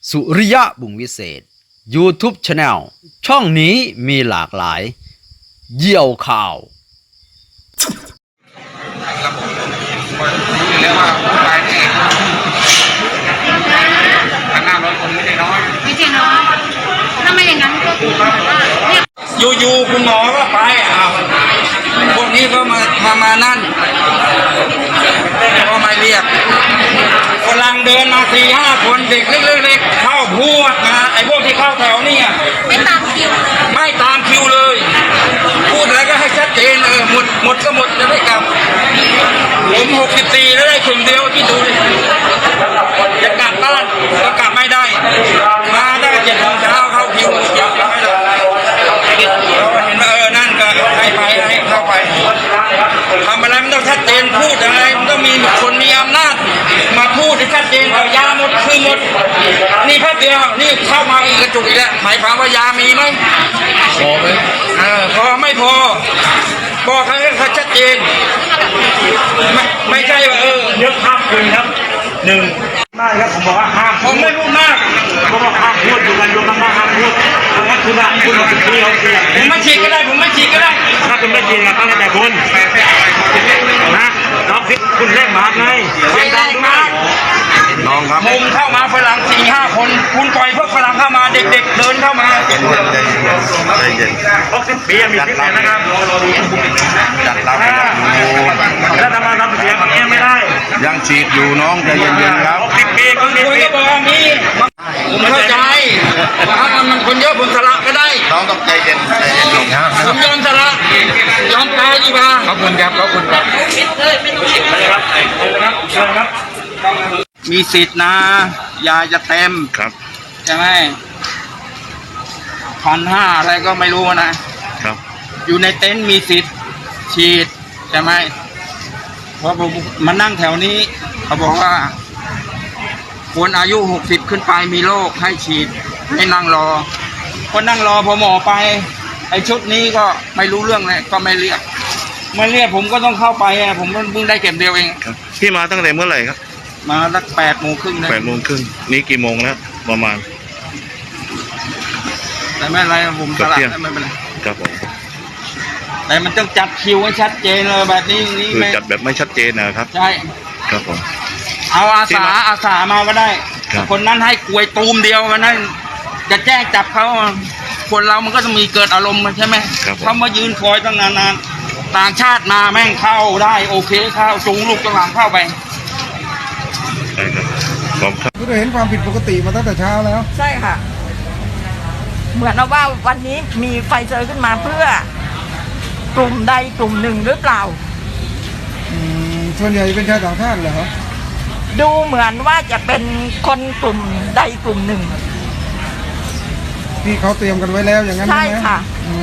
สุริยะบุญวิเศษ YouTube Channel ช่องนี้มีหลากหลายเยี่ยวข่าวระบบคนเรียกว่าผู้ชายที่1,500 คนไม่ได้น้อยไม่ใช่น้อยถ้าไม่อย่างนั้นก็คือว่าเนี่ยอยู่ๆคุณหมอก็ไปพวกนี้ก็มานั่นก็มาเรียกกำลังเดินมา4-5 คนเด็กเล็กๆเข้าพูดมาไอ้พวกที่เข้าแถวนี่ไม่ตามคิวเลยพูดอะไรก็ให้ชัดเจนหมดก็หมดจะได้กลับผม64แล้วได้ถึงเดียวที่ดูจะกลับบ้านก็กลับไม่ได้มาได้7 โมงเช้าเข้าคิวอยากไม่ได้เราเห็นว่านั่นก็ให้เข้าไปทำอะไรมันต้องชัดเจนพูดอะไรมันต้องมีคนมีอำนาจมาพูดให้ชัดเจนเอายาหมดคือหมดนี่แค่เดียวนี่เข้ามาอีกกระจุกอีกแล้วหมายความว่ายามีไหมพอไหมพอไม่พอบอกให้เขาชัดเจนไม่ใช่ว่าเยอะข้ามคืนครับ1ได้ครับผมบอกว่าห้ามผมไม่พูดมากผมบอกห้ามพูดอยู่กันยกมากห้ามพูดงั้นคุณบอกที่เขาเสียผมไม่ฉีกก็ได้ถ้าคุณไม่จริงนะตั้งแต่คุณนะน้องคิดคุณเล่นหมาไงเสียงดังมากน้องครับมุมเข้ามาฝรั่ง4-5 คนคุณปล่อยพวกฝรั่งเข้ามาเด็กๆเดินเข้ามาใจเย็น60 ปีมีคิดนะครับจัดเราแล้วทำไมทำเสียงอย่างนี้ไม่ได้ยังฉีดอยู่น้องใจเย็นๆครับ 60 ปีคุณก็บอกว่ามีผมเข้าใจว่ามันคนเยอะผมสละก็ได้น้องต้องใจเย็นลงนะผมยอมสละยอมตายดีกว่าขอบคุณครับมีสิทธิ์นะยาจะเต็มครับใช่ไหม1,500อะไรก็ไม่รู้นะครับอยู่ในเต็นท์มีสิทธิ์ฉีดใช่ไหมเพราะผมมานั่งแถวนี้เขาบอกว่าคนอายุ60ขึ้นไปมีโรคให้ฉีดให้นั่งรอคนนั่งรอพอหมอไปไอชุดนี้ก็ไม่รู้เรื่องเลยก็ไม่เรียกผมก็ต้องเข้าไปผมเพิ่งได้เก็บเดียวเองพี่มาตั้งแต่เมื่อไหร่ครับมาตั้ง8:30นะ 8:30นี่กี่โมงแล้วประมาณแต่ไม่อะไรผมสลับไม่เป็นไรครับผมแต่มันต้องจัดคิวให้ชัดเจนเลยแบบนี้คือจัดแบบไม่ชัดเจนนะครับใช่ครับผมเอาอาสามาก็ได้คนนั้นให้กลวยตูมเดียวมันนั้นจะแจ้งจับเขาคนเรามันก็จะมีเกิดอารมณ์ใช่ไหมเขามายืนคอยตั้งนานต่างชาติมาแม่งเข้าได้โอเคเข้าจูงลูกกระหล่ำเข้าไปใช่ครับคุณเห็นความผิดปกติมาตั้งแต่เช้าแล้วใช่ค่ะเหมือนว่าวันนี้มีไฟเซอร์ขึ้นมาเพื่อกลุ่มใดกลุ่มหนึ่งหรือเปล่าส่วนใหญ่เป็นชาวต่างชาติเหรอดูเหมือนว่าจะเป็นคนกลุ่มใดกลุ่มหนึ่งที่เขาเตรียมกันไว้แล้วอย่างนั้นใช่ค่ะ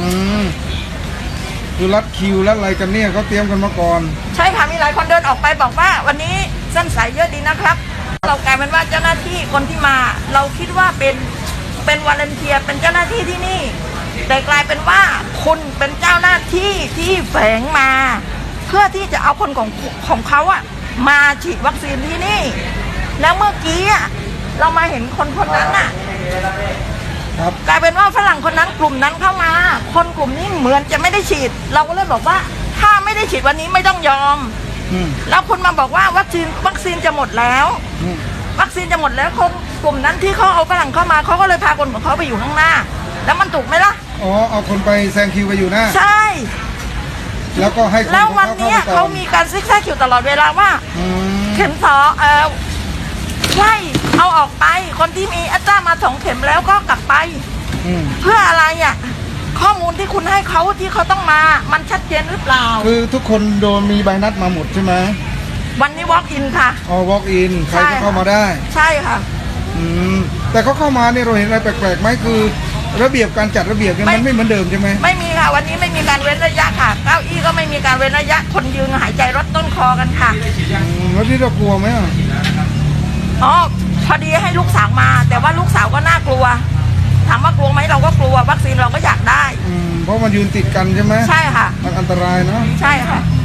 คือรัดคิวรัดอะไรกันเนี่ยเขาเตรียมกันมาก่อนใช่ค่ะมีหลายคนเดินออกไปบอกว่าวันนี้เส้นสายเยอะดีนะครับเรากลายเป็นว่าเจ้าหน้าที่คนที่มาเราคิดว่าเป็นวอลันเทียร์เป็นเจ้าหน้าที่ที่นี่แต่กลายเป็นว่าคุณเป็นเจ้าหน้าที่ที่แฝงมาเพื่อที่จะเอาคนของเขามาฉีดวัคซีนที่นี่แล้วเมื่อกี้เรามาเห็นคนนั้นกลายเป็นว่าฝรั่งคนนั้นกลุ่มนั้นเข้ามาคนกลุ่มนี้เหมือนจะไม่ได้ฉีดเราก็เลยบอกว่าถ้าไม่ได้ฉีดวันนี้ไม่ต้องยอมแล้วคุณมาบอกว่าวัคซีนจะหมดแล้ววัคซีนจะหมดแล้วคนกลุ่มนั้นที่เขาเอาฝรั่งเข้ามาเขาก็เลยพาคนของเขาไปอยู่ข้างหน้าแล้วมันถูกไหมล่ะเอาคนไปแซงคิวไปอยู่หน้าใช่แล้วก็ให้แล้ววันนี้เขามีการซิกแซกคิวตลอดเวลาว่าเข็มใช่เอาออกไปคนที่มีอัตรามา2 เข็มแล้วก็กลับไปเพื่ออะไรข้อมูลที่คุณให้เขาที่เขาต้องมามันชัดเจนหรือเปล่าคือทุกคนโดนมีใบนัดมาหมดใช่ไหมวันนี้ walk in ค่ะ walk in ใครก็เข้ามาได้ใช่ค่ะแต่เขาเข้ามาเนี่ยเราเห็นอะไรแปลกๆไหมคือระเบียบการจัดระเบียบมันไม่เหมือนเดิมใช่ไหมไม่มีค่ะวันนี้ไม่มีการเว้นระยะค่ะเก้าอี้ก็ไม่มีการเว้นระยะคนยืนหายใจรถต้นคอกันค่ะแล้วที่เรากลัวไหมพอดีให้ลูกสาวมาแต่ว่าลูกสาวก็น่ากลัวถามว่ากลัวไหมเราก็กลัววัคซีนเราก็อยากได้เพราะมันยืนติดกันใช่ไหมใช่ค่ะมันอันตรายเนาะใช่ค่ะ